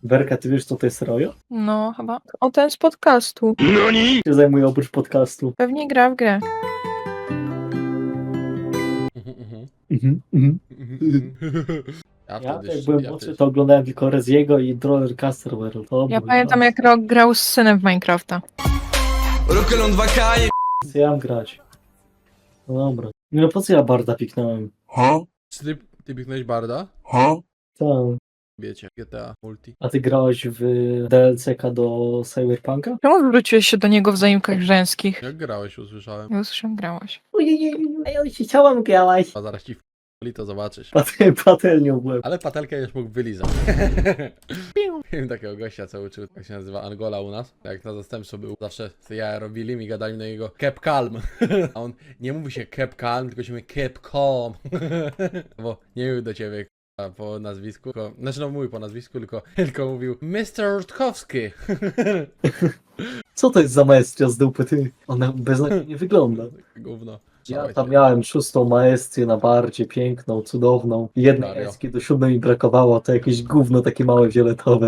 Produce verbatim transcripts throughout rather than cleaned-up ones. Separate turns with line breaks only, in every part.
Werka, ty wiesz co to jest Rojo?
No, chyba. O, ten z podcastu.
Noni? Się zajmuje oprócz podcastu.
Pewnie gra w grę.
Mhm, mhm.
Ja
Ja
wtedy
jak
sz-
byłem
ja
młodszy,
wtedy-
to oglądałem tylko Reziego i Rollercoaster World. To
Ja
był
pamiętam,
czas.
jak Rok grał z synem w Minecrafta.
Rokelon dwa K.
Co ja mam grać? No dobra. No po co ja Barda piknąłem?
Czy ty, ty piknąłeś Barda?
Tam.
Wiecie, G T A Multi.
A ty grałeś w D L C K do Cyberpunka?
Czemu wróciłeś się do niego w zaimkach żeńskich?
Jak grałeś, usłyszałem.
Nie usłyszałem, grałaś.
Ojej, a ja się chciałam grać.
A zaraz ci w to zobaczysz.
Patel, patelnią byłem.
Ale patelkę już mógł wylizać. Miałem takiego gościa, co uczył, jak się nazywa Angola u nas. Jak na zastępstwo był, zawsze ja robili mi gadali na niego Keep Calm. A on nie mówi się Keep Calm, tylko się mówi Keep Calm. Bo nie mówił do ciebie k***a, po nazwisku, tylko, znaczy no mówił po nazwisku, tylko, tylko mówił mister Rutkowski.
Co to jest za maestria z dupy, ty? Ona beznadziejnie wygląda.
Gówno.
Ja
Dawaj
tam
ty.
miałem szóstą maestrię na bardzie, piękną, cudowną. Jednej
Serio?
eski do siódmej mi brakowało, to jakieś gówno takie małe, fioletowe.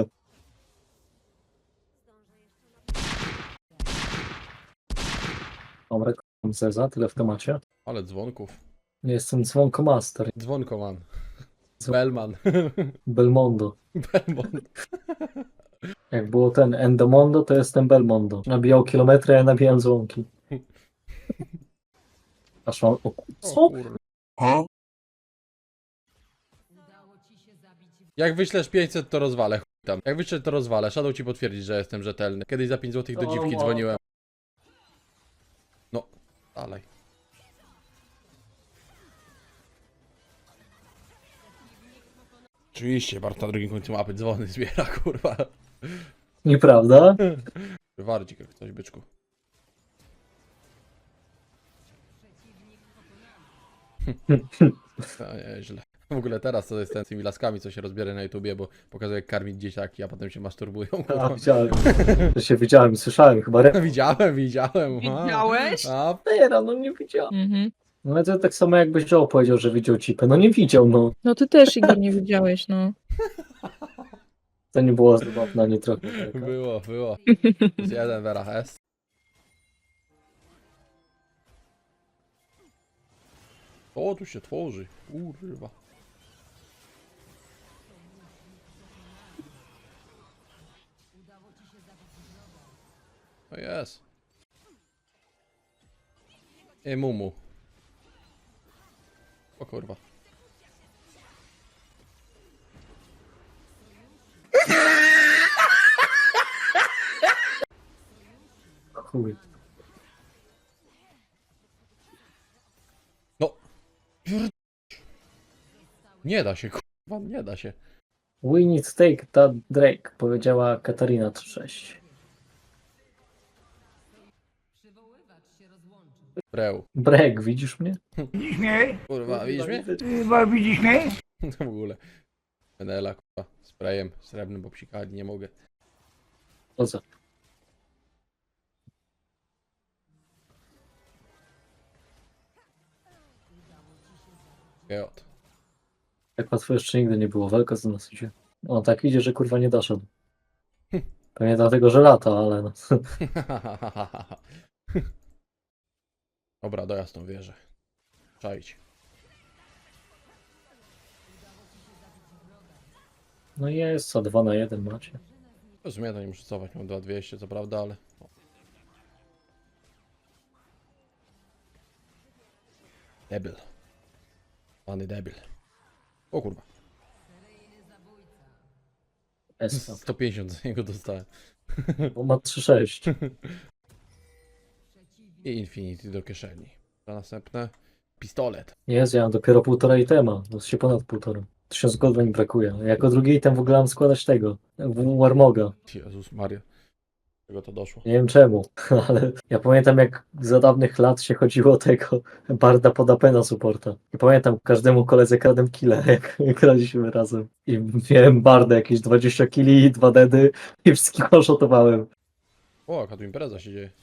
Dobra, k***am Zeza, tyle w temacie.
Ale dzwonków.
Jestem dzwonkomaster,
Dzwonkoman. Bellman.
Belmondo.
Belmont.
Jak było ten Endomondo, to jestem Belmondo. Nabijał kilometry, a ja nabijam dzwonki. Aż mam... O, co?
O kurwa. Jak wyślesz pięćset, to rozwalę. Chuj tam. Jak wyślesz, to rozwalę. Shadow ci potwierdzić, że jestem rzetelny. Kiedyś za pięć złotych do
O,
dziwki
o.
dzwoniłem. No, dalej. Oczywiście, Bart na drugim końcu mapy dzwony zbiera, kurwa.
Nieprawda?
Wardzik jak coś, byczku. To nieźle. W ogóle teraz to jest ten z tymi laskami, co się rozbiera na YouTubie, bo pokazuje jak karmić dzieciaki, a potem się masturbują.
A,
Kurwa.
widziałem. To się widziałem i słyszałem chyba. Re...
Widziałem, widziałem. aha.
Widziałeś?
A,
Teraz, no nie widziałem.
Mhm.
No ale to tak samo jakbyś Joe powiedział, że widział cipę. No nie widział, no.
No ty też, Igor, nie widziałeś, no.
To nie było zabawne, ani trochę. Werka.
było, było. Plus jeden w erach S. O, tu się tworzy. Kurwa. No jest. Ej, mumu. O kurwa.
Chuj.
No. Pier- Nie da się, kurwa, nie da się.
We need to take that Drake, powiedziała Katarina trzysta sześć.
Breł.
Brek, widzisz mnie?
Widzisz mnie?
Kurwa, widzisz mnie?
Chyba widzisz mnie?
To w ogóle. Menela, kurwa, sprayem srebrnym, bo psikać nie mogę.
O co?
Geot.
Tak łatwo jeszcze nigdy nie było. Walka z nas idzie. On tak idzie, że kurwa nie doszedł. Pewnie dlatego, że lata, ale no.
Dobra, dojazd tą wieżę. Czaić.
No jest co, dwa na jeden macie.
W sumie to nie muszę cofać, mam dwa tysiące dwieście, co prawda, ale... O. Debil. Pany debil. O kurwa.
S.
sto pięćdziesiąt z niego dostałem.
Bo ma trzy sześć.
I Infinity do kieszeni. A następne. Pistolet.
Jest, ja mam dopiero półtora itema. To się ponad półtora. Tysiąc gold mi brakuje. Jako drugi item w ogóle mam składać tego. W Warmoga.
Jezus Maria. Do czego to doszło?
Nie wiem czemu, ale ja pamiętam jak za dawnych lat się chodziło o tego Barda pod A P na supporta. I pamiętam każdemu koledze kradłem killa, jak graliśmy razem. I miałem Barda jakieś dwadzieścia killi, dwa dedy i wszystkich oszotowałem.
O, jaka tu impreza się dzieje.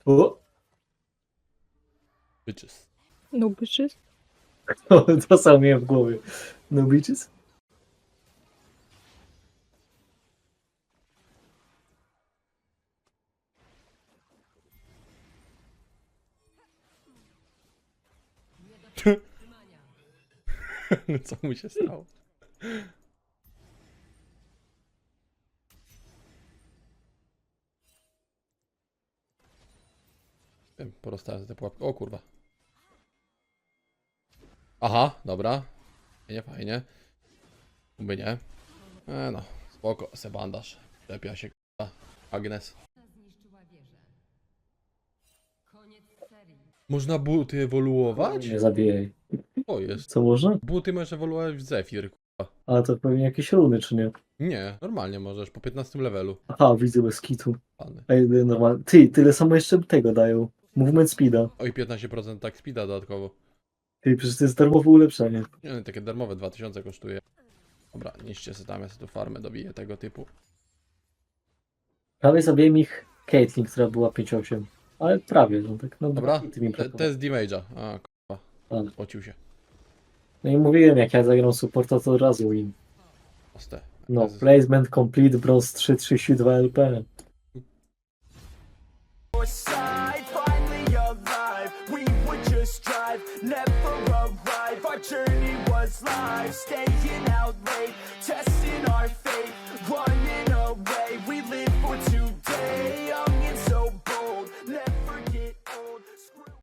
O!
Bitches.
No bitches.
To, to samo miałem w głowie. No bitches?
Co mu się stało? Wiem, porostałem te pułapki. O kurwa. Aha, dobra. Nie, fajnie. By nie. E no, spoko, se bandaż. Lepia się kurwa. Agnes. Można buty ewoluować?
Nie zabijaj.
O jest.
Co można?
Buty możesz ewoluować w Zephyr. kurwa.
Ale to pewnie jakieś runy, czy nie?
Nie, normalnie możesz, po piętnastym levelu.
Aha, widzę bez kitu.
Pany.
Ej, normalnie. Ty, tyle samo jeszcze tego dają. Movement speeda.
Oj, piętnaście procent tak speeda dodatkowo.
Ty, przecież to jest darmowe ulepszenie.
Nie, no, takie darmowe dwa tysiące kosztuje. Dobra, niszcie sobie tam, ja sobie tu farmę dobiję tego typu.
Prawie zabiłem ich Caitlyn, która była pięć osiem. Ale prawie, no tak. No,
Dobra,
dwa hity mi
te,
brakowało.
test damage'a. A, kurwa,
Ale-
spocił się.
No i mówiłem, jak ja zagram supporta, to od razu win.
Proste.
No,
Teraz-
placement complete, bronze trzy trzydzieści dwa L P.
side, finally alive. We would just drive, never arrive. Our journey was life, staying out